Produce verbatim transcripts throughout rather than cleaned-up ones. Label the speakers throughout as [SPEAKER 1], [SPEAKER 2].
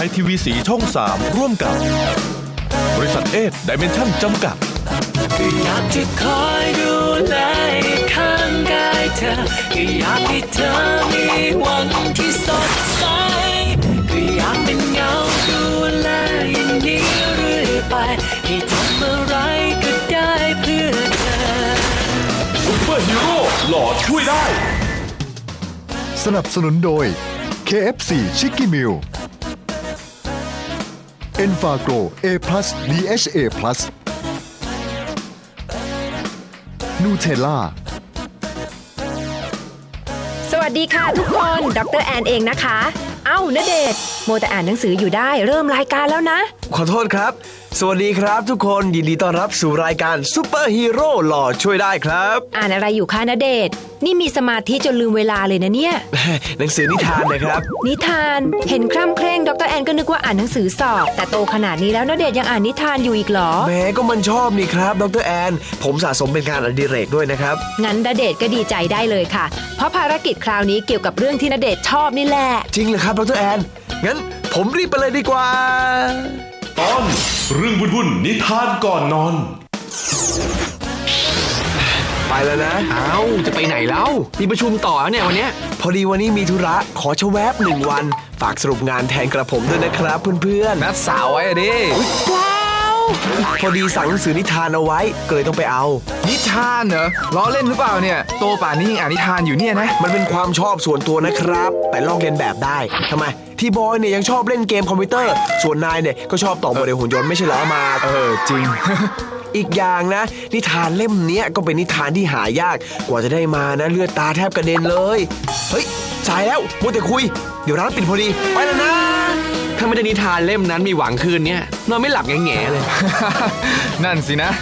[SPEAKER 1] ยทีวีสีช่องสามร่วมกับบริษัทเอสไดเมนชั่นจำกัด
[SPEAKER 2] ก็อยากจะคอยดูแลข้างกายเธอก็อยากให้เธอมีวันที่สดใสก็อยากเป็นเงาดูแลอย่างนี้เรื่อยไปให้ทำอะไรก็ได้เพื่อเธอ
[SPEAKER 1] ซุปเปอร์ฮีโร่หล่อช่วยได้
[SPEAKER 3] สนับสนุนโดย เค เอฟ ซี Chicky Meal Enfagro A พลัส ดี เอช เอ พลัส Nutella
[SPEAKER 4] สวัสดีค่ะทุกคนดรแอนเองนะคะเอ้าณเดชน์โมแต่อ่านหนังสืออยู่ได้เริ่มรายการแล้วนะ
[SPEAKER 5] ขอโทษครับสวัสดีครับทุกคนยินดีต้อนรับสู่รายการซุปเปอร์ฮีโร่หล่อช่วยได้ครับ
[SPEAKER 4] อ่านอะไรอยู่คะณเดชน์นี่มีสมาธิจนลืมเวลาเลยนะเนี่ย
[SPEAKER 5] หนังสือนิทานนะครับ
[SPEAKER 4] นิทานเห็นคร่ำเคร่งดรแอนก็นึกว่าอ่านหนังสือสอบแต่โตขนาดนี้แล้วณเดชน์ยังอ่านนิทานอยู่อีกเหรอ
[SPEAKER 5] แม้ก็มันชอบนี่ครับดรแอนผมสะสมเป็นงานอดิเรกด้วยนะครับ
[SPEAKER 4] งั้นณเดชน์ก็ดีใจได้เลยค่ะเพราะภารกิจคราวนี้เกี่ยวกับเรื่องที่ณเดชน์ชอบนี่แหละ
[SPEAKER 5] จริงเหรอครับดรแอนงั้นผมรีบไปเลยดีกว่า
[SPEAKER 1] ตอนเรื่องวุ่นๆนิทานก่อนนอน
[SPEAKER 5] ไปแล้วนะ
[SPEAKER 6] เอ้าจะไปไหนแล้วมีประชุมต่อเนี่ยวันนี้
[SPEAKER 5] พอดีวันนี้มีธุระขอชะแวบหนึ่งวันฝากสรุปงานแทนกระผมด้วยนะครับเพื่อน
[SPEAKER 6] ๆนัดสาวไว้อะดิ
[SPEAKER 5] ว้าวพอดีสั่งหนังสือนิทานเอาไว้ก็เลยต้องไปเอา
[SPEAKER 6] นิทานเหรอล้อเล่นหรือเปล่าเนี่ยโตป่านนี้ยังอ่านนิทานอยู่เนี่ยนะ
[SPEAKER 5] มันเป็นความชอบส่วนตัวนะครับแต่ลอกเลียนแบบได้ทำไมที่บอยเนี่ยยังชอบเล่นเกมคอมพิวเตอร์ส่วนนายเนี่ยก็ชอบต่อโมเดลหุ่นยนต์ไม่ใช่เหรอมา
[SPEAKER 6] เออจริง
[SPEAKER 5] อีกอย่างนะนิทานเล่มนี้ก็เป็นนิทานที่หายากกว่าจะได้มานะเลือดตาแทบกระเด็นเลยเฮ้ยสายแล้วมัวแต่คุยเดี๋ยวร้านปิดพอดีไปแล้วนะ
[SPEAKER 6] ถ้าไม่ได้นิทานเล่มนั้นมีหวังคืนเนี้ยนอนไม่หลับแง่ๆเลย นั่นสินะ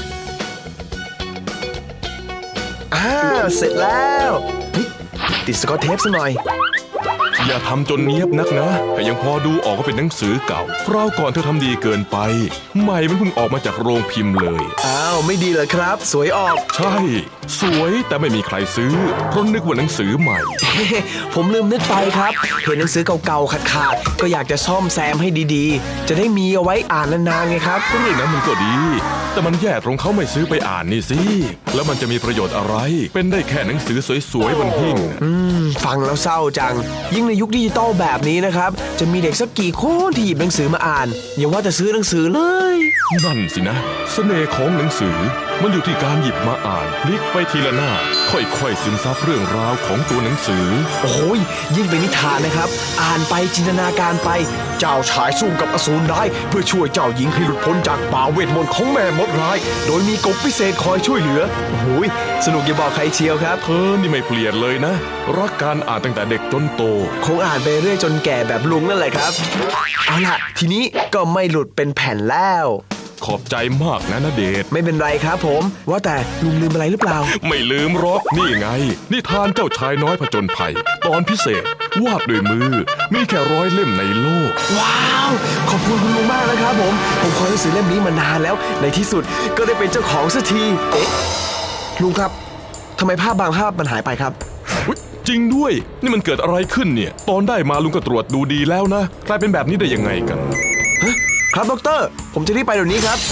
[SPEAKER 5] อ่าเสร็จแล้วติดสกอตเทปซะหน่อย
[SPEAKER 1] อย่าทำจนเนียบนักนะแต่ยังพอดูออกว่าเป็นหนังสือเก่าคราวก่อนเธอทำดีเกินไปใหม่มันเพิ่งออกมาจากโรงพิมพ์เลย
[SPEAKER 5] อ้าวไม่ดีเหรอครับสวยออก
[SPEAKER 1] ใช่สวยแต่ไม่มีใครซื้อเพราะนึกว่าหนังสือใหม่
[SPEAKER 5] ผมลืมนึกไปครับเห็นหนังสือเก่าๆขาดๆก็อยากจะซ่อมแซมให้ดีๆจะได้มีเอาไว้อ่านนานๆไงครับ
[SPEAKER 1] เรื่องนั้นมันก็ดีแต่มันแย่ตรงเขาไม่ซื้อไปอ่านนี่สิแล้วมันจะมีประโยชน์อะไรเป็นได้แค่หนังสือสวยๆบนหิ้ง
[SPEAKER 5] อืมฟังแล้วเศร้าจังยิ่งในยุคดิจิตอลแบบนี้นะครับจะมีเด็กสักกี่คนที่หยิบหนังสือมาอ่านอย่าว่าจะซื้อหนังสือเลย
[SPEAKER 1] นั่นสินะเสน่ห์ของหนังสือมันอยู่ที่การหยิบมาอ่านพลิกไปทีละหน้าค่อยๆซึมซับเรื่องราวของตัวหนังสือ
[SPEAKER 5] โอ้ยยิ่งเป็นนิทานนะครับอ่านไปจินตนาการไปเจ้าชายสู้กับอสูรร้ายเพื่อช่วยเจ้าหญิงให้หลุดพ้นจากป่าเวทมนต์ของแม่มดร้ายโดยมีกบพิเศษคอยช่วยเหลือโอ้ยสนุกอย่าบอกใครเชียวครับ
[SPEAKER 1] เธอนี่ไม่เปลี่ยนเลยนะรักการอ่านตั้งแต่เด็กจนโต
[SPEAKER 5] คงอ่านไปเรื่อยจนแก่แบบลุงนั่นแหละครับเอาล่ะทีนี้ก็ไม่หลุดเป็นแผ่นแล้ว
[SPEAKER 1] ขอบใจมากนะณเดชน์
[SPEAKER 5] ไม่เป็นไรครับผมว่าแต่ลุงลืมอะไรหรือเปล่า
[SPEAKER 1] ไม่ลืมหรอกนี่ไงนิทานเจ้าชายน้อยผจญภัยตอนพิเศษวาดด้วยมือมีแค่ร้อยเล่มในโลก
[SPEAKER 5] ว้าวขอบคุณคุณลุงมากนะครับผมผมคอยหนังสือเล่มนี้มานานแล้วในที่สุดก็ได้เป็นเจ้าของสักทีเอ๊ะลุงครับทำไมภาพบางภาพมันหายไปครับ
[SPEAKER 1] จริงด้วยนี่มันเกิดอะไรขึ้นเนี่ยตอนได้มาลุงก็ตรวจดูดีแล้วนะกลายเป็นแบบนี้ได้ยังไงกัน
[SPEAKER 5] ฮะครับดรผมจะรีบไปเดี๋ยวนี้ครับ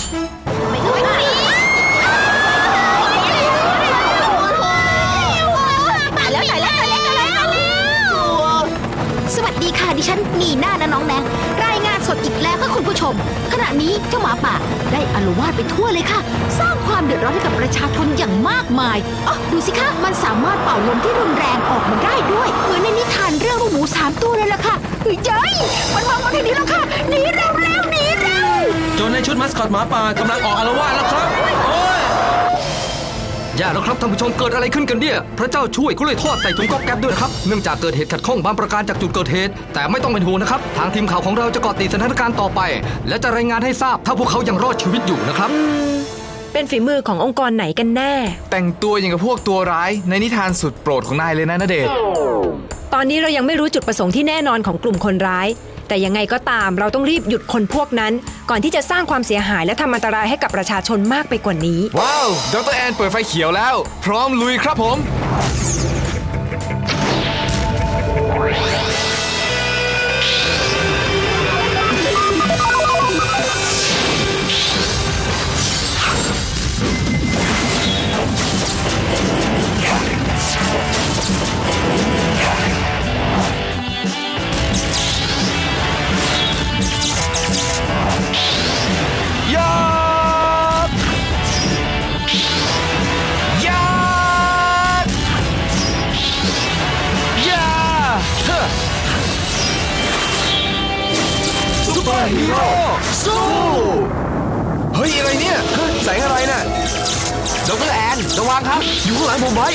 [SPEAKER 7] มาแล้วมาแล้วมาแล้วมาแล้วสวัสดีค่ะดิฉันนีน่านะน้องแนงรายงานสดอีกแล้วค่ะคุณผู้ชมขณะนี้เจ้าหมาป่าได้อาละวาดไปทั่วเลยค่ะสร้างความเดือดร้อนให้กับประชาชนอย่างมากมายอ๋อดูสิคะมันสามารถเป่าลมที่รุนแรงออกมาได้ด้วยเหมือนในนิทานเรื่องลูกหมูสามตัวเลยล่ะค่ะเฮ้ยเจ้ยมันมองมาทางนี้แล้วค่ะหนีเร็วเร็วหนีเร็ว
[SPEAKER 6] โจรในชุดมัสคอตหมาป่ากำลังออกอาละวาดแล้วครับโอ้ยอย่าแล้วครับท่านผู้ชมเกิดอะไรขึ้นกันเนี่ยพระเจ้าช่วยก็เลยทอดใส่ถุงก๊อบแก๊บด้วยครับเนื่องจากเกิดเหตุขัดข้องบางประการจากจุดเกิดเหตุแต่ไม่ต้องเป็นห่วงนะครับทางทีมข่าวของเราจะเกาะติดสถานการณ์ต่อไปและจะรายงานให้ทราบถ้าพวกเขายังรอดชีวิตอยู่นะครับ
[SPEAKER 4] เป็นฝีมือขององค์กรไหนกันแน่
[SPEAKER 6] แต่งตัวอย่างกับพวกตัวร้ายในนิทานสุดโปรดของนายเลยนะณเดชน์
[SPEAKER 4] ตอนนี้เรายังไม่รู้จุดประสงค์ที่แน่นอนของกลุ่มคนร้ายแต่ยังไงก็ตามเราต้องรีบหยุดคนพวกนั้นก่อนที่จะสร้างความเสียหายและทำอันตรายให้กับประชาชนมากไปกว่านี้
[SPEAKER 6] ว้าวดรแอนเปิดไฟเขียวแล้วพร้อมลุยครับผม
[SPEAKER 7] เ
[SPEAKER 5] อร์ฮีโร่สู้เฮ้ยอะไรเนี่ยฮะแสงอะไรน่ะดรแอนระวังครับอยู่ข้างหลังผมไว้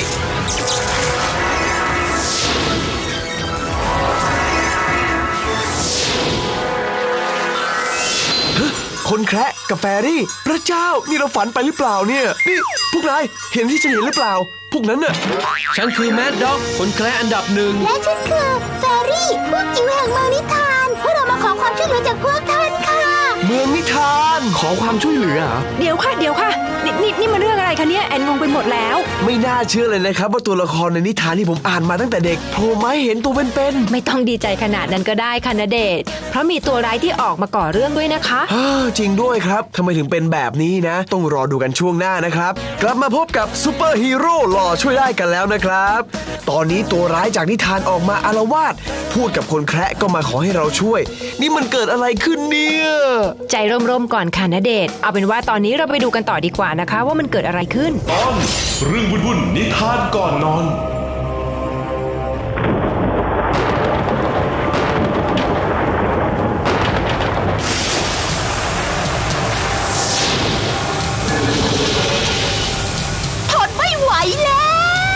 [SPEAKER 5] คนแคระกับแฟรี่พระเจ้านี่เราฝันไปหรือเปล่าเนี่ยนี่พวกนายเห็นที่ฉันเห็นหรือเปล่า พวกนั้นน่ะ
[SPEAKER 6] ฉันคือแมดด็อกคนแคร์อันดับหนึ่ง
[SPEAKER 7] และฉันคือแฟรี่พวกจิ๋วแห่งเมืองนิทานพวกเรามาขอความช่วยเหลือจากพวกท่านค่ะ
[SPEAKER 5] เมืองนิทานขอความช่วยเหลือเหรอ
[SPEAKER 4] เดี๋ยวค่ะเดี๋ยวค่ะนี่นี่นี่มันเรื่องอะไรคะเนี่ยแอนงงไปหมดแล้ว
[SPEAKER 5] ไม่น่าเชื่อเลยนะครับว่าตัวละครในนิทานที่ผมอ่านมาตั้งแต่เด็กโผล่มาให้เห็นตัวเป็นๆ
[SPEAKER 4] ไม่ต้องดีใจขนาดนั้นก็ได้ค่ะณเดชน์เพราะมีตัวร้ายที่ออกมาก่อเรื่องด้วยนะคะ
[SPEAKER 5] ฮ่าจริงด้วยครับทำไมถึงเป็นแบบนี้นะ ต้องรอดูกันช่วงหน้านะครับ กลับมาพบกับซูเปอร์ฮีโร่หล่อช่วยได้กันแล้วนะครับ ตอนนี้ตัวร้ายจากนิทานออกมาอาละวาดพูดกับคนแคระก็มาขอให้เราช่วย นี่มันเกิดอะไรขึ้นเนี่ย
[SPEAKER 4] ใจร่มๆก่อนค่ะณเดชน์เอาเป็นว่าตอนนี้เราไปดูกันต่อดีกว่านะคะ ว่ามันเกิดอะไรขึ้น
[SPEAKER 1] ตอนเรื่องวุ่นๆนิทานก่อนนอน
[SPEAKER 7] ทนไม่ไหวแล้ว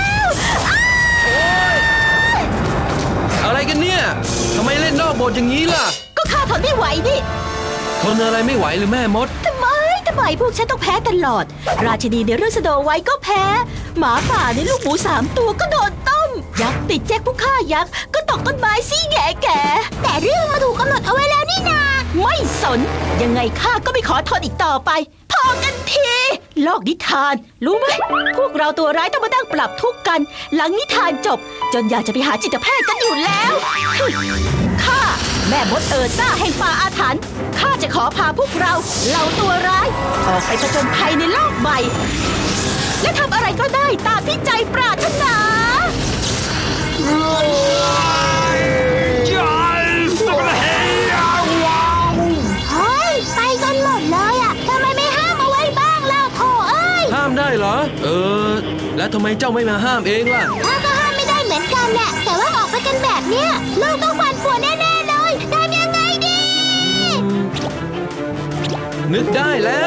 [SPEAKER 6] อะไรกันเนี่ยทำไมเล่นนอกบทอย่างนี้ล่ะ
[SPEAKER 7] ก็ข้าทนไม่ไหวนี่
[SPEAKER 6] ทนอะไรไม่ไหวหรือแม่มด
[SPEAKER 7] ทำไมทำไมพวกฉันต้องแพ้ตลอด ราชินีในเรื่องสโนไวท์ก็แพ้ หมาป่าในลูกหมูสามตัวก็โดนต้ม ยักษ์ติดแจ็คผู้ฆ่ายักษ์ก็ตกต้นไม้ซี่แง่แก่แต่เรื่องมาถูกกำหนดเอาไว้แล้วนี่นา ไม่สน ยังไงข้าก็ไม่ขอทนอีกต่อไป พอกันทีโลกนิทาน รู้ไหมพวกเราตัวร้ายต้องมานั่งปรับทุกข์กัน หลังนิทานจบ จนอยากจะไปหาจิตแพทย์กันอยู่แล้วข้าแม่มดเอิร์ซ่าแห่งป่าอาถรรพ์ข้าจะขอพาพวกเราเหล่าตัวร้าย ออกไปผจญภัยในโลกใหม่ และทำอะไรก็ได้ตามที่ใจปรารถนา เฮ้ย ไปกันหมดเลยอ่ะทำไมไม่ห้ามเอาไว้บ้างเล่าโถเอ้ย
[SPEAKER 6] ห้ามได้เหรอ เออ แล้วทำไมเจ้าไม่มาห้ามเองล่ะ
[SPEAKER 7] ข้าก็ห้ามไม่ได้เหมือนกันแหละแต่ว่าออกไปกันแบบเนี้ยโลกต้องปั่นป่วนแน่ๆเลยทำยังไงดี
[SPEAKER 6] นึกได้แล้ว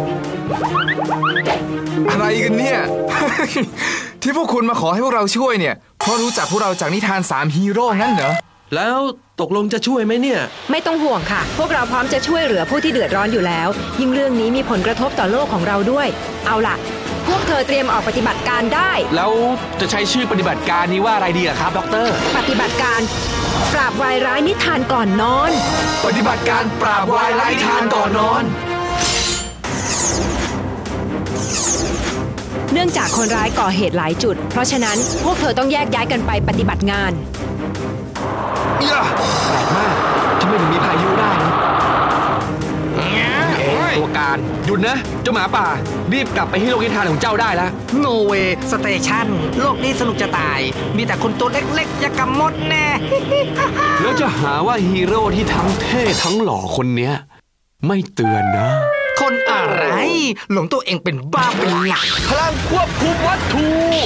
[SPEAKER 8] อะไรกันเนี่ย ที่พวกคุณมาขอให้พวกเราช่วยเนี่ยเพราะรู้จักพวกเราจากนิทานสามฮีโร่งั้นเหรอ
[SPEAKER 6] แล้วตกลงจะช่วยไหมเนี่ย
[SPEAKER 4] ไม่ต้องห่วงค่ะ พวกเราพร้อมจะช่วยเหลือผู้ที่เดือดร้อนอยู่แล้ว ยิ่งเรื่องนี้มีผลกระทบต่อโลกของเราด้วย เอาล่ะ พวกเธอเตรียมออกปฏิบัติการได้
[SPEAKER 8] แล้วจะใช้ชื่อปฏิบัติการนี้ว่าอะไรดีล่ะครับด็อกเตอร์
[SPEAKER 4] ปฏิบัติการปราบวายร้ายนิทานก่อนนอน
[SPEAKER 8] ปฏิบัติการปราบวายร้ายนิทานก่อนนอน
[SPEAKER 4] เนื่องจากคนร้ายก่อเหตุหลายจุด เพราะฉะนั้นพวกเธอต้องแยกย้ายกันไปปฏิบัติงาน
[SPEAKER 5] แปลกมากทำไมถึงมีพายุได้นะตัวการหยุดนะเจ้าหมาป่ารีบกลับไปที่โลกนิทานของเจ้าได้แล้ว
[SPEAKER 9] โนเวสเตชันโลกนี้สนุกจะตาย มีแต่คนตัวเล็กๆ อย่ากำมดแน่
[SPEAKER 10] แล้วจะหาว่าฮีโร่ที่ทั้งเท่ทั้งหล่อคนเนี้ยไม่เตือนนะ
[SPEAKER 9] คนอะไร หลงตัวเองเป็นบ้าเป็นหลัก
[SPEAKER 5] พลังควบคุมวัตถุ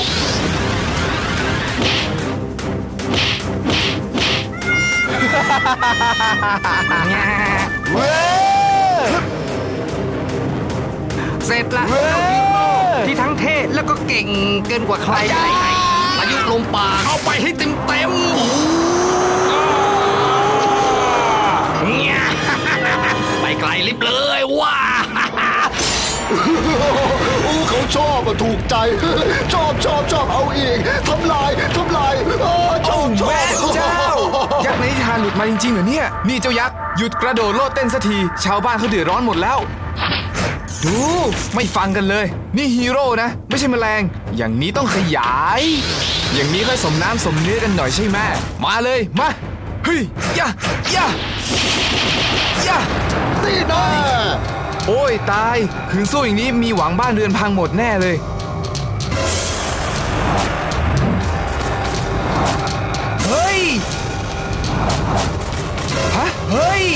[SPEAKER 5] เว้ย
[SPEAKER 9] เสร็จละที่ทั้งเท่แล้วก็เก่งเกินกว่าใครไหนๆอายุลมปากเอาไปให้เต็มเต็มๆไปไกลลิบเลยว้า
[SPEAKER 3] อู้เขาชอบอะถูกใจ ชอบชอบชอบเอาอีกทำลายทำลายเออชอบชอบ
[SPEAKER 8] เจ้า ยักษ์ในนิทานหลุดมาจริงๆเหรอเนี่ย นี่เจ้ายักษ์หยุดกระโดดโลดเต้นสักที ชาวบ้านเขาเดือดร้อนหมดแล้ว ดูไม่ฟังกันเลย นี่ฮีโร่นะ ไม่ใช่แมลง อย่างนี้ต้องขยาย อย่างนี้ค่อยสมน้ำสมเนื้อกันหน่อยใช่ไหมมาเลยมาเฮ้ยยะยะยะ
[SPEAKER 3] นี่แน่
[SPEAKER 8] โอ้ยตายคืนสู้อย่างนี้มีหวังบ้านเรือนพังหมดแน่เลย เฮ้ย ฮะ เฮ้ย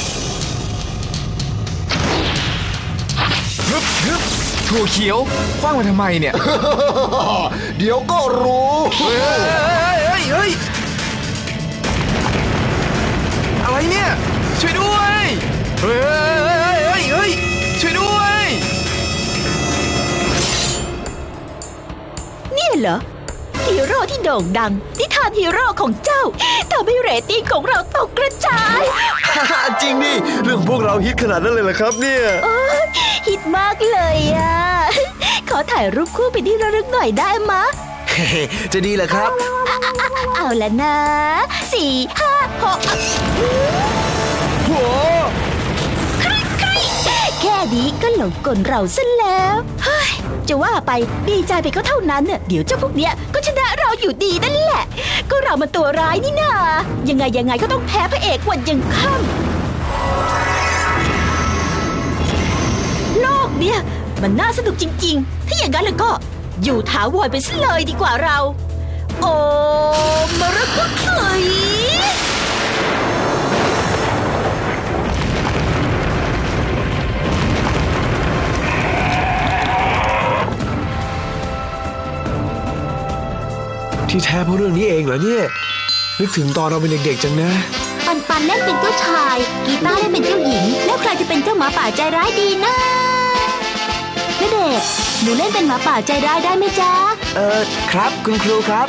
[SPEAKER 8] ฮึบฮึบถั่วเขียวคว้างมาทำไมเนี่ย
[SPEAKER 3] เดี๋ยวก็รู้
[SPEAKER 8] เฮ้ยเฮ้ยเฮ้ยเฮ้ยอะไรเนี่ยช่วยด้วยเฮ้ยเฮ้ยเฮ้ยช่วยด้วย
[SPEAKER 7] เนี่ยเหรอฮีโร่ที่โด่งดังนิทานฮีโร่ของเจ้าทำให้เรตติ้งของเราตกกระจาย
[SPEAKER 5] จริงดิเรื่องพวกเราฮิตขนาดนั้นเลยเหรอครับเนี่ย
[SPEAKER 7] โอ้ยฮิตมากเลยอ่ะ ขอถ่ายรูปคู่เป็นที่ระลึกหน่อยได้มะ
[SPEAKER 5] จะดีเหรอครับ
[SPEAKER 7] เอาละนะสี่ห้าหก
[SPEAKER 5] โห
[SPEAKER 7] แค่นี้ก็หลงกลเราซะแล้วเฮ้ยจะว่าไปดีใจไปก็เท่านั้นน่ะเดี๋ยวเจ้าพวกเนี้ยก็ชนะเราอยู่ดีนั่นแหละ ก็เรามันตัวร้ายนี่นายังไงยังไงก็ต้องแพ้พระเอกวันยังค่ำโลกเนี่ยมันน่าสนุกจริงๆ ถ้าอย่างนั้นแล้วก็อยู่ถาวรไปซะเลยดีกว่าเรา โอ้มรกตเอ้ย
[SPEAKER 5] ที่แท้เพราะเรื่องนี้เองเหรอเนี่ยนึกถึงตอนเราเป็นเด็กๆจังนะ
[SPEAKER 7] ปันปันเล่นเป็นเจ้าชาย กีตาร์เล่นเป็นเจ้าหญิง แล้วใครจะเป็นเจ้าหมาป่าใจร้ายดีนะณเดชน์หนูเล่นเป็นหมาป่าใจร้ายได้ไหมจ๊ะ
[SPEAKER 5] เออครับคุณครูครับ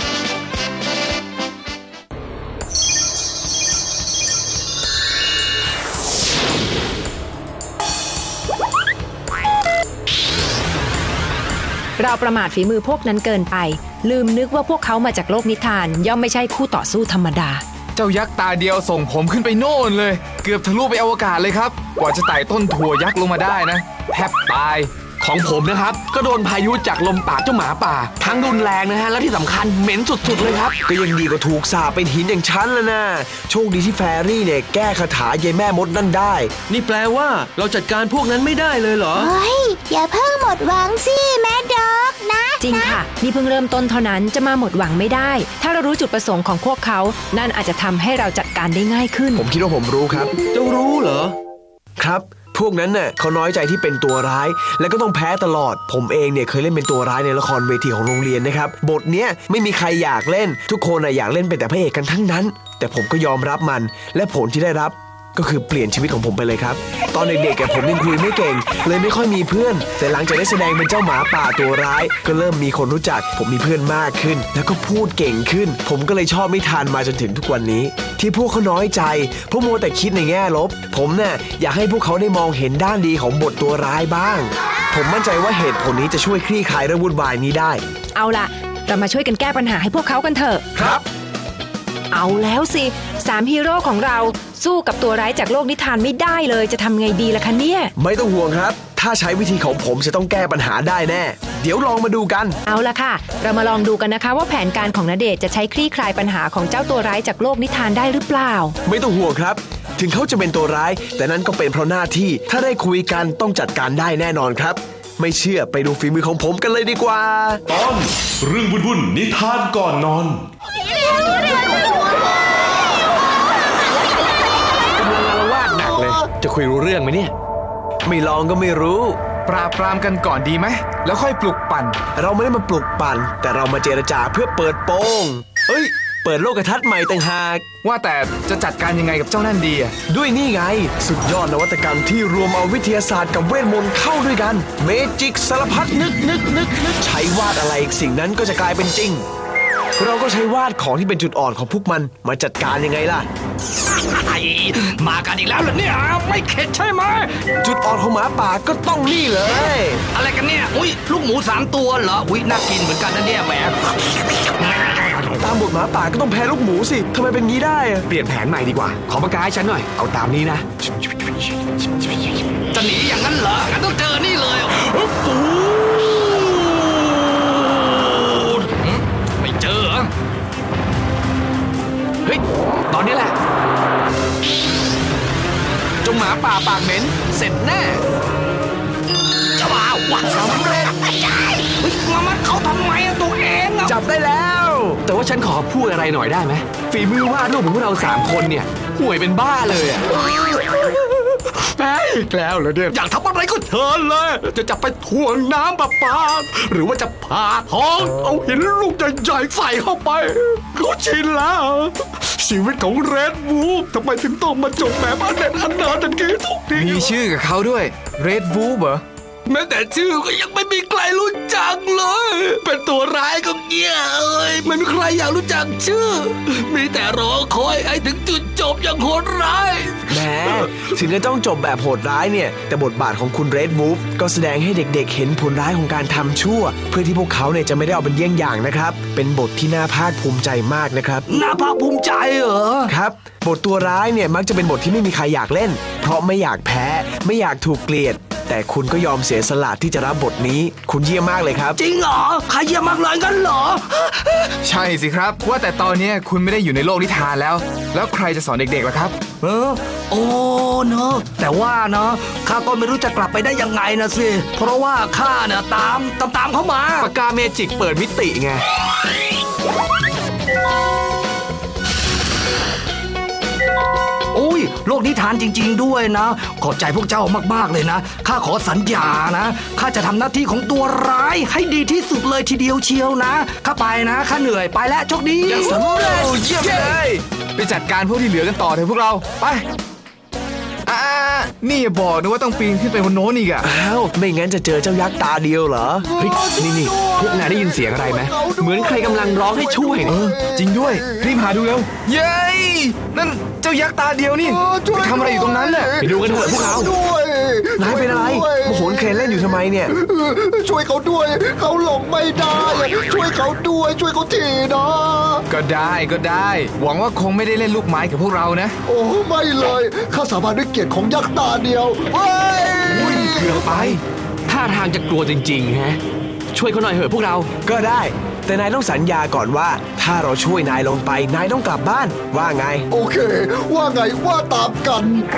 [SPEAKER 4] เราประมาทฝีมือพวกนั้นเกินไป ลืมนึกว่าพวกเขามาจากโลกนิทานย่อมไม่ใช่คู่ต่อสู้ธรรมดา
[SPEAKER 8] เจ้ายักษ์ตาเดียวส่งผมขึ้นไปโน่นเลย เกือบทะลุไปอวกาศเลยครับกว่าจะไต่ต้นถั่วยักษ์ลงมาได้นะแทบตาย
[SPEAKER 10] ของผมนะครับ ก็โดนพายุจากลมปากเจ้าหมาป่า ทั้งรุนแรงนะฮะ และที่สำคัญเหม็นสุดๆเลยครับ
[SPEAKER 5] ก็ยังดีกว่าถูกสาปเป็นหินอย่างฉันแล้วนะโชคดีที่แฟรี่เนี่ยแก้คาถายายแม่มดนั่นได้
[SPEAKER 11] นี่แปลว่าเราจัดการพวกนั้นไม่ได้เลยเหรอ
[SPEAKER 7] เฮ้ย อย่าเพิ่งหมดหวังสิแม่ด็อกนะ
[SPEAKER 4] จริงค่ะ นี่เพิ่งเริ่มต้นเท่านั้นจะมาหมดหวังไม่ได้ ถ้าเรารู้จุดประสงค์ของพวกเขา นั่นอาจจะทำให้เราจัดการได้ง่ายขึ้น
[SPEAKER 5] ผมคิดว่าผมรู้ครับ
[SPEAKER 11] เจ้ารู้เหรอ
[SPEAKER 5] ครับ พวกนั้นน่ะเขาน้อยใจที่เป็นตัวร้าย และก็ต้องแพ้ตลอด ผมเองเนี่ยเคยเล่นเป็นตัวร้ายในละครเวทีของโรงเรียนนะครับบทเนี้ยไม่มีใครอยากเล่น ทุกคนน่ะอยากเล่นเป็นแต่พระเอกกันทั้งนั้น แต่ผมก็ยอมรับมัน และผลที่ได้รับก็คือเปลี่ยนชีวิตของผมไปเลยครับ ตอนเด็กๆผมยังคุยไม่เก่ง เลยไม่ค่อยมีเพื่อน แต่หลังจากได้แสดงเป็นเจ้าหมาป่าตัวร้าย ก็เริ่มมีคนรู้จัก ผมมีเพื่อนมากขึ้น แล้วก็พูดเก่งขึ้น ผมก็เลยชอบนิทานมาจนถึงทุกวันนี้ ที่พวกเขาน้อยใจเพราะมัวแต่คิดในแง่ลบ ผมเนี่ยอยากให้พวกเขาได้มองเห็นด้านดีของบทตัวร้ายบ้าง ผมมั่นใจว่าเหตุผลนี้จะช่วยคลี่คลายเรื่องวุ่นวายนี้ได้
[SPEAKER 4] เอาล่ะ เรามาช่วยกันแก้ปัญหาให้พวกเขากันเถอะ
[SPEAKER 5] ครับ
[SPEAKER 4] เอาแล้วสิสามฮีโร่ของเราสู้กับตัวร้ายจากโลกนิทานไม่ได้เลยจะทำไงดีล่ะคะเนี่ย
[SPEAKER 5] ไม่ต้องห่วงครับ ถ้าใช้วิธีของผมจะต้องแก้ปัญหาได้แน่ เดี๋ยวลองมาดูกัน
[SPEAKER 4] เอาล่ะค่ะ เรามาลองดูกันนะคะว่าแผนการของณเดชน์จะใช้คลี่คลายปัญหาของเจ้าตัวร้ายจากโลกนิทานได้หรือเปล่า
[SPEAKER 5] ไม่ต้องห่วงครับ ถึงเขาจะเป็นตัวร้าย แต่นั้นก็เป็นเพราะหน้าที่ ถ้าได้คุยกันต้องจัดการได้แน่นอนครับ ไม่เชื่อไปดูฝีมือของผมกันเลยดีกว่า
[SPEAKER 1] ตอนเรื่องวุ่นๆนิทานก่อนนอน
[SPEAKER 10] กำลังอาละวาดหนักเลย จะคุยรู้เรื่องไหมเนี่ย
[SPEAKER 5] ไม่ลองก็ไม่รู้
[SPEAKER 8] ปราบปรามกันก่อนดีไหมแล้วค่อยปลุกปั่น
[SPEAKER 5] เราไม่ได้มาปลุกปั่น แต่เรามาเจรจาเพื่อเปิดโปงเอ้ย เปิดโลกทัศน์ใหม่ต่างหาก
[SPEAKER 8] ว่าแต่จะจัดการยังไงกับเจ้านั่นดีอะ
[SPEAKER 5] ด้วยนี่ไง สุดยอดนวัตกรรมที่รวมเอาวิทยาศาสตร์กับเวทมนต์เข้าด้วยกัน เมจิกสารพัดนึกนึกนึกนึกใช้วาดอะไรสิ่งนั้นก็จะกลายเป็นจริง เราก็ใช้วาดของที่เป็นจุดอ่อนของพวกมันมาจัดการยังไงล่ะ
[SPEAKER 9] มากันอีกแล้วเหรอเนี่ยไม่เข็ดใช่ไหม
[SPEAKER 5] จุดอ่อนของหมาป่าก็ต้องนี่เลย
[SPEAKER 9] อะไรกันเนี่ยอุ้ยลูกหมูสามตัวเหรออุ้ยน่ากินเหมือนกันนะเนี่ยแหม
[SPEAKER 5] ตามบทหมาป่าก็ต้องแพ้ลูกหมูสิทำไมเป็นงี้ได้อะ
[SPEAKER 10] เปลี่ยนแผนใหม่ดีกว่า ขอปากกาให้ฉันหน่อย เอาตามนี้นะ
[SPEAKER 9] จะหนีอย่างนั้นเหรองั้นต้องเจอนี่เลยโอ้โหไม่เจอเหรอ
[SPEAKER 10] เฮ้ย ตอนนี้แหละ
[SPEAKER 8] จงหมาป่าปากเหม็นเสร็จแน่
[SPEAKER 9] จะว่าวัดสำเร็จเฮ้ยมามัดเขาทำไมอะตัวเองอะ
[SPEAKER 5] จับได้แล้ว
[SPEAKER 10] แต่ว่าฉันขอพูดอะไรหน่อยได้ไหมฝีมือวาดรูปของพวกเราสามคนเนี่ยห่วยเป็นบ้าเลยอะ
[SPEAKER 9] แพ้อีกแล้วเหรอเนี่ยอยากทำอะไรก็เชิญเลย จะจับไปถ่วงน้ำประปาหรือว่าจะผ่าท้อง เอาหินลูกใหญ่ๆใส่เข้าไปเขาชินแล้ว ชีวิตของเรดวูฟทำไมถึงต้องมาจบแบบอันเด็ดอันนาดันกี้ทุกที
[SPEAKER 8] มีชื่อกับเขาด้วย Red Wolf เหรอ
[SPEAKER 9] แม้แต่ชื่อก็ยังไม่มีใครรู้จักเลย เป็นตัวร้ายก็เงี้ยเอ้ยไม่มีใครอยากรู้จักชื่อ มีแต่รอคอยให้ถึงจุดจบอย่างโหดร้าย
[SPEAKER 5] แหมถึงจะต้องจบแบบโหดร้ายเนี่ย แต่บทบาทของคุณ Red Wolf ก็แสดงให้เด็กๆเห็นผลร้ายของการทำชั่ว เพื่อที่พวกเขาเนี่ยจะไม่ได้เอาเป็นเยี่ยงอย่างนะครับ เป็นบทที่น่าภาคภูมิใจมากนะครับ
[SPEAKER 9] น่าภาคภูมิใจเหรอ
[SPEAKER 5] ครับ บทตัวร้ายเนี่ยมักจะเป็นบทที่ไม่มีใครอยากเล่น เพราะไม่อยากแพ้ ไม่อยากถูกเกลียด แต่คุณก็ยอมเสียสละที่จะรับบทนี้ คุณเยี่ยมมากเลยครับ
[SPEAKER 9] จริงเหรอใครเยี่ยมมากเลยงั้นเหรอ
[SPEAKER 8] ใช่สิครับ ว่าแต่ตอนเนี้ยคุณไม่ได้อยู่ในโลกนิทานแล้ว แล้วใครจะสอนเด็กๆล่ะครับ
[SPEAKER 9] เออโอ้เนอะแต่ว่าเนอะข้าก็ไม่รู้จะกลับไปได้ยังไงนะสิ เพราะว่าข้าเนี่ยตามตามตามเขามา
[SPEAKER 5] ปากกาเมจิกเปิดมิติไง
[SPEAKER 9] โอ้ยโลกนิทานจริงๆด้วยนะ ขอบใจพวกเจ้ามากๆเลยนะ ข้าขอสัญญานะ ข้าจะทำหน้าที่ของตัวร้ายให้ดีที่สุดเลยทีเดียวเชียวนะ ข้าไปนะ ข้าเหนื่อยไปแล้วโชคดี
[SPEAKER 8] สำเร็จเยี่ยมเลย ไปจัดการพวกที่เหลือกันต่อเถอะพวกเรา ไป อ่า นี่อย่าบอกนะว่าต้องปีนขึ้นไปบนโน้นอีกอะ
[SPEAKER 5] อ้าว ไม่งั้นจะเจอเจ้ายักษ์ตาเดียวเหรอ
[SPEAKER 10] เฮ้ย นี่นี่พวกนายได้ยินเสียงอะไรไหม เหมือนใครกำลังร้องให้ช่วย
[SPEAKER 8] เอ
[SPEAKER 10] เนี่ย
[SPEAKER 8] อ จริงด้วย รีบหาดูเร็ว เย้ยนั่นเจ้ายักษ์ตาเดียวนี่
[SPEAKER 3] เออช่วย
[SPEAKER 8] ไปทำอะไรอยู่ตรงนั้นน่ะ
[SPEAKER 10] ไปดูกันเถอะพวกเรา
[SPEAKER 3] ด้วย
[SPEAKER 5] นายเป็นอะไร
[SPEAKER 3] ช่วย
[SPEAKER 5] มาโหนเครนเล่นอยู่ทำไมเนี่ย
[SPEAKER 3] เออช่วยเขาด้วย เขาหลงไม่ได้อะช่วยเขาด้วย ช่วยเขาทีนะ
[SPEAKER 8] ก็ได้ก็ได้ หวังว่าคงไม่ได้เล่นลูกไม้กับพวกเรานะ
[SPEAKER 3] โอ้ไม่เลยข้าสาบานด้วยเกียรติของยักษ์ตาเดียวเฮ้ย
[SPEAKER 10] เกือบไป ท่าทางจะกลัวจริงๆ ฮะ ช่วยเขาหน่อยเถอะพวกเรา
[SPEAKER 5] ก็ได้ แต่นายต้องสัญญาก่อนว่า ถ้าเราช่วยนายลงไป นายต้องกลับบ้าน ว่าไง
[SPEAKER 3] โอเค ว่าไงว่าตามกัน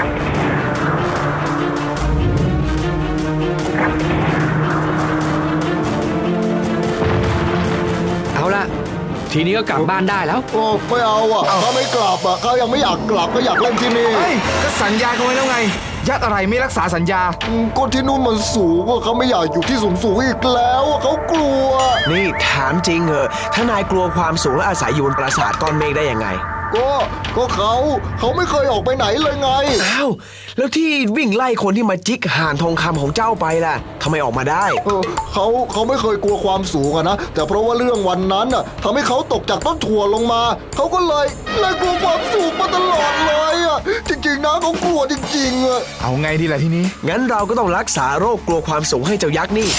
[SPEAKER 10] เอาล่ะ ทีนี้ก็กลับบ้านได้แล้ว
[SPEAKER 3] โอ้ไม่เอาอ่ะเขาไม่กลับอ่ะเขายังไม่อยากกลับก็อยากเล่นที่นี่
[SPEAKER 8] เฮ้ย ก็สัญญากันไว้แล้วไง ยักษ์อะไรไม่รักษาสัญญา
[SPEAKER 3] อืมก็ที่นู่นมันสูงอ่ะเขาไม่อยากอยู่ที่สูงสูงๆอีกแล้วอ่ะเขากลัว
[SPEAKER 5] นี่ถามจริงเหอะ ถ้านายกลัวความสูงและอาศัยอยู่บนปราสาทก้อนเมฆได้ยังไง
[SPEAKER 3] ก็ก็เขาเขาไม่เคยออกไปไหนเลยไง
[SPEAKER 5] อ้าว แล้วที่วิ่งไล่คนที่มาจิกห่านทองคำของเจ้าไปล่ะทำไมออกมาได้
[SPEAKER 3] เออเขาเขาไม่เคยกลัวความสูงอะนะแต่เพราะว่าเรื่องวันนั้นน่ะทำให้เขาตกจากต้นถั่วลงมาเขาก็เลยเลยกลัวความสูงมาตลอดเลยอ่ะจริงๆนะเขากลัวจริงๆอ่ะ
[SPEAKER 8] เอาไงดีล่ะทีนี้
[SPEAKER 5] งั้นเราก็ต้องรักษาโรคกลัวความสูงให้เจ้ายักษ์นี่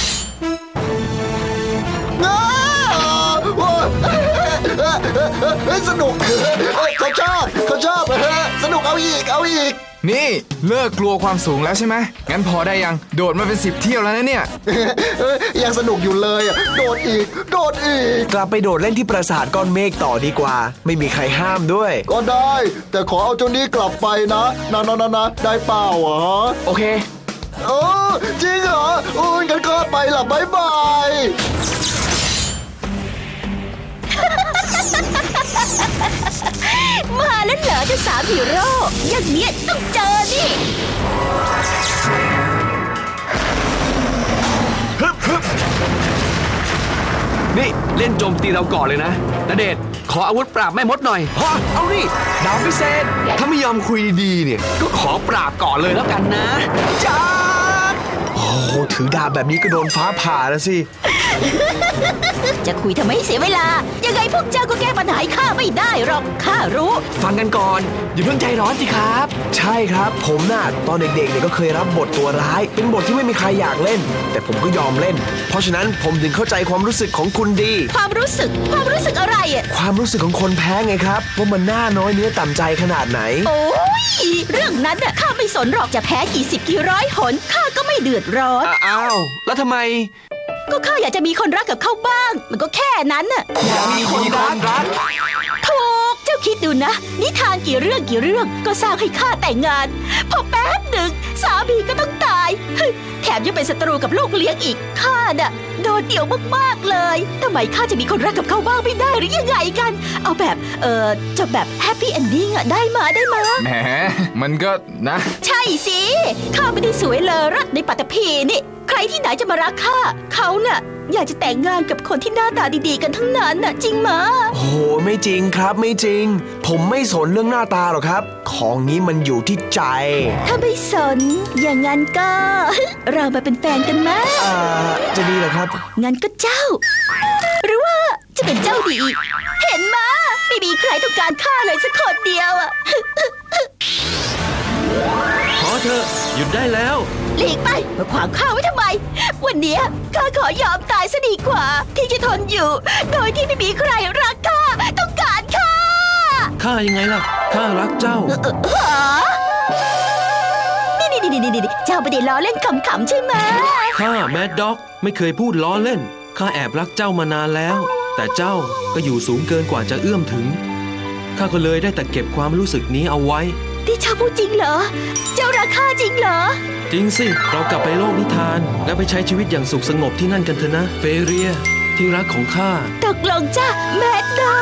[SPEAKER 3] อ้าวเฮ้ยสนุกเขาชอบเขาชอบสนุกเอาอีกเอาอีก
[SPEAKER 8] นี่เลิกกลัวความสูงแล้วใช่ไหม งั้นพอได้ยัง โดดมาเป็นสิบเที่ยวแล้วนะเนี่ย
[SPEAKER 3] ยังสนุกอยู่เลยอ่ะโดดอีกโดดอีก
[SPEAKER 5] กลับไปโดดเล่นที่ปราสาทก้อนเมฆต่อดีกว่า ไม่มีใครห้ามด้วย
[SPEAKER 3] ก็ได้ แต่ขอเอาเจ้านี้กลับไปนะนะนะนะนะได้เปล่าอ่ะ
[SPEAKER 5] โอเค
[SPEAKER 3] เออจริงเหรอโอ้ยงั้นก็ไปละบายบาย
[SPEAKER 7] มาแล้วเหรอเจ้าสามฮีโร่อย่างเนี้ยต้องเจอนี่
[SPEAKER 10] นี่เล่นโจมตีเราก่อนเลยนะณเดชน์ขออาวุธปราบแม่มดหน่อย
[SPEAKER 5] ฮะ เอานี่ดาบพิเศษ
[SPEAKER 10] ถ้าไม่ยอมคุยดีๆเนี่ย ก็ขอปราบก่อนเลยแล้วกันนะ
[SPEAKER 5] จ้าโอ้โหถือดาบแบบนี้ก็โดนฟ้าผ่าแล้วสิ
[SPEAKER 7] จะคุยทำไมให้เสียเวลา ยังไงพวกเจ้าก็แก้ปัญหาให้ข้าไม่ได้หรอกข้ารู้
[SPEAKER 10] ฟังกันก่อน อย่าเพิ่งใจร้อนสิครับ
[SPEAKER 5] ใช่ครับ ผมน่ะตอนเด็กๆเนี่ยก็เคยรับบทตัวร้าย เป็นบทที่ไม่มีใครอยากเล่น แต่ผมก็ยอมเล่น เพราะฉะนั้นผมถึงเข้าใจความรู้สึกของคุณดี
[SPEAKER 7] ความรู้สึกความรู้สึกอะไรอ่ะ
[SPEAKER 5] ความรู้สึกของคนแพ้ไงครับว่ามันน่าน้อยเนื้อต่ำใจขนาดไหน
[SPEAKER 7] โอ้ยเรื่องนั้นน่ะข้าไม่สนหรอกจะแพ้กี่สิบกี่ร้อยหนข้าก็ไม่เดือดร้อน
[SPEAKER 10] อ้าว แล้วทำไม
[SPEAKER 7] ก็ข้าอยากจะมีคนรักกับเขาบ้าง มันก็แค่นั้นน่ะ
[SPEAKER 10] อยากมีคนรัก
[SPEAKER 7] ถูกเจ้าจ้าคิดดูนะ นิทานกี่เรื่องกี่เรื่องก็สร้างให้ข้าแต่งงาน พอแป๊บหนึ่งสามีก็ต้องตายเฮ้ยแถมยังเป็นศัตรูกับลูกเลี้ยงอีกข้าน่ะโดดเดี่ยวมากๆเลยทำไมข้าจะมีคนรักกับเขาบ้างไม่ได้หรือยังไงกัน เอาแบบเออจะแบบแฮปปี้เอนดิ้งอะได้มาได้มา
[SPEAKER 8] แหมมันก็นะ
[SPEAKER 7] ใช่สิข้าไม่ได้สวยเลอรักในปัตตภีนี่ ใครที่ไหนจะมารักข้าเขาน่ะอยากจะแต่งงานกับคนที่หน้าตาดีๆกันทั้งนั้นน่ะจริงมะ
[SPEAKER 5] โอ้โหไม่จริงครับไม่จริง ผมไม่สนเรื่องหน้าตาหรอกครับ ของนี้มันอยู่ที่ใจ
[SPEAKER 7] ถ้าไม่สน อย่างงั้นก็ เรามาเป็นแฟนกันไหม
[SPEAKER 5] อ่าจะดีเหรอครับ
[SPEAKER 7] งั้นก็เจ้า หรือว่าจะเป็นเจ้าดี เห็นมะไม่มีใครต้องการข้าเลยสักคนเดียวอะ
[SPEAKER 11] พอเถอะหยุดได้แล้ว
[SPEAKER 7] หลีกไปมาขวางข้าไว้ทำไม วันเนี้ยข้าขอยอมตายซะดีกว่า ที่จะทนอยู่ โดยที่ไม่มีใครรักข้าต้องการข้า
[SPEAKER 11] ข้ายังไงล่ะ ข้ารักเจ้า
[SPEAKER 7] เอ่อหานี่นี่นี่นี่นี่เจ้าไม่ได้ล้อเล่นขำๆใช่ไหม
[SPEAKER 11] ข้าแมดด็อกไม่เคยพูดล้อเล่น ข้าแอบรักเจ้ามานานแล้ว แต่เจ้าก็อยู่สูงเกินกว่าจะเอื้อมถึง ข้าก็เลยได้แต่เก็บความรู้สึกนี้เอาไว้
[SPEAKER 7] ที่เจ้าพูดจริงเหรอ เจ้ารักข้าจริงเหรอ
[SPEAKER 11] จริงสิ เรากลับไปโลกนิทาน และไปใช้ชีวิตอย่างสุขสงบที่นั่นกันเถอะนะ เฟเรีย ที่รักของข้า
[SPEAKER 7] ตกลงจ้ะแมดด็อก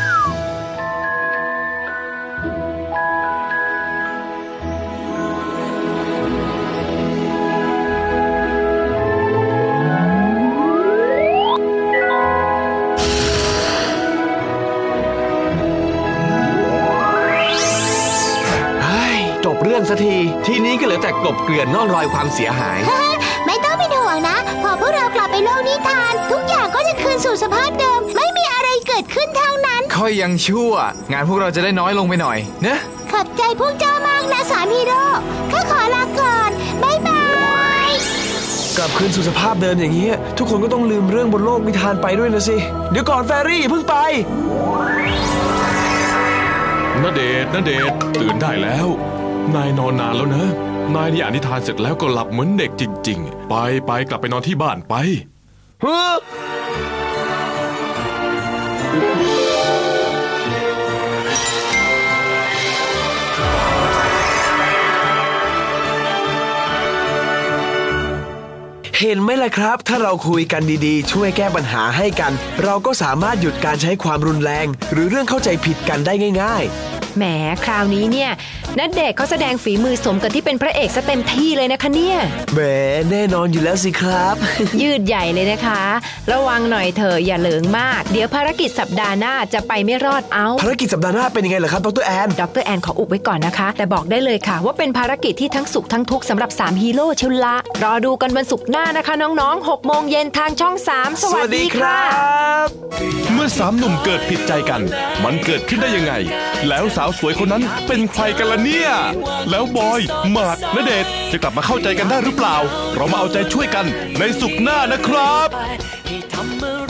[SPEAKER 5] จบเรื่องสักที ทีนี้ก็เหลือแต่กลบเกลื่อนร่องรอยความเสียหาย
[SPEAKER 7] ไม่ต้องเป็นห่วงนะ พอพวกเรากลับไปโลกนิทาน ทุกอย่างก็จะคืนสู่สภาพเดิม ไม่มีอะไรเกิดขึ้นทางนั้น
[SPEAKER 8] ค่อยยังชั่ว งานพวกเราจะได้น้อยลงไปหน่อยเนะ
[SPEAKER 7] ขอบใจพวกเจ้ามากนะสามฮีโร่ข้าขอลาก่อนบ๊ายบาย
[SPEAKER 5] กลับคืนสู่สภาพเดิมอย่างนี้ยทุกคนก็ต้องลืมเรื่องบนโลกนิทานไปด้วยนะสิ เดี๋ยวก่อนแฟรี่อย่าเพิ่งไป
[SPEAKER 1] ณเดชน์ณเดชน์ตื่นได้แล้ว นายนอนนานแล้วนะ นายนี่อ่านนิทานเสร็จแล้วก็หลับเหมือนเด็กจริงๆ ไปไปกลับไปนอนที่บ้านไป
[SPEAKER 5] เห็นไหมล่ะครับ ถ้าเราคุยกันดีๆ ช่วยแก้ปัญหาให้กัน เราก็สามารถหยุดการใช้ความรุนแรง หรือเรื่องเข้าใจผิดกันได้ง่าย
[SPEAKER 4] แหมคราวนี้เนี่ยณเดชน์เขาแสดงฝีมือสมกับที่เป็นพระเอกซะเต็มที่เลยนะคะเนี่ย
[SPEAKER 5] ๆแหมแน่นอนอยู่แล้วสิครับ
[SPEAKER 4] ยืดใหญ่เลยนะคะ ระวังหน่อยเถอะอย่าเหลิงมาก เดี๋ยวภารกิจสัปดาห์หน้าจะไปไม่รอดเอา
[SPEAKER 5] ภารกิจสัปดาห์หน้าเป็นยังไงล่ะครับดรแอน
[SPEAKER 4] ดรแอนขออุบไว้ก่อนนะคะ แต่บอกได้เลยค่ะ ว่าเป็นภารกิจที่ทั้งสุขทั้งทุกข์สำหรับสามฮีโร่เชุนละรอดูกันวันศุกร์หน้านะคะน้องๆหกโมงเย็นทางช่องสามสวัสดีค่ะ
[SPEAKER 1] เมื่อสามหนุ่มเกิดผิดใจกัน มันเกิดขึ้นได้ยังไง แล้วสาวสวยคนนั้นเป็นใครกันล่ะเนี่ย แล้วบอยหมากณเดชน์จะกลับมาเข้าใจกันได้หรือเปล่า เรามาเอาใจช่วยกันในศุกร์หน้านะครับ
[SPEAKER 2] ให้ทำอะไร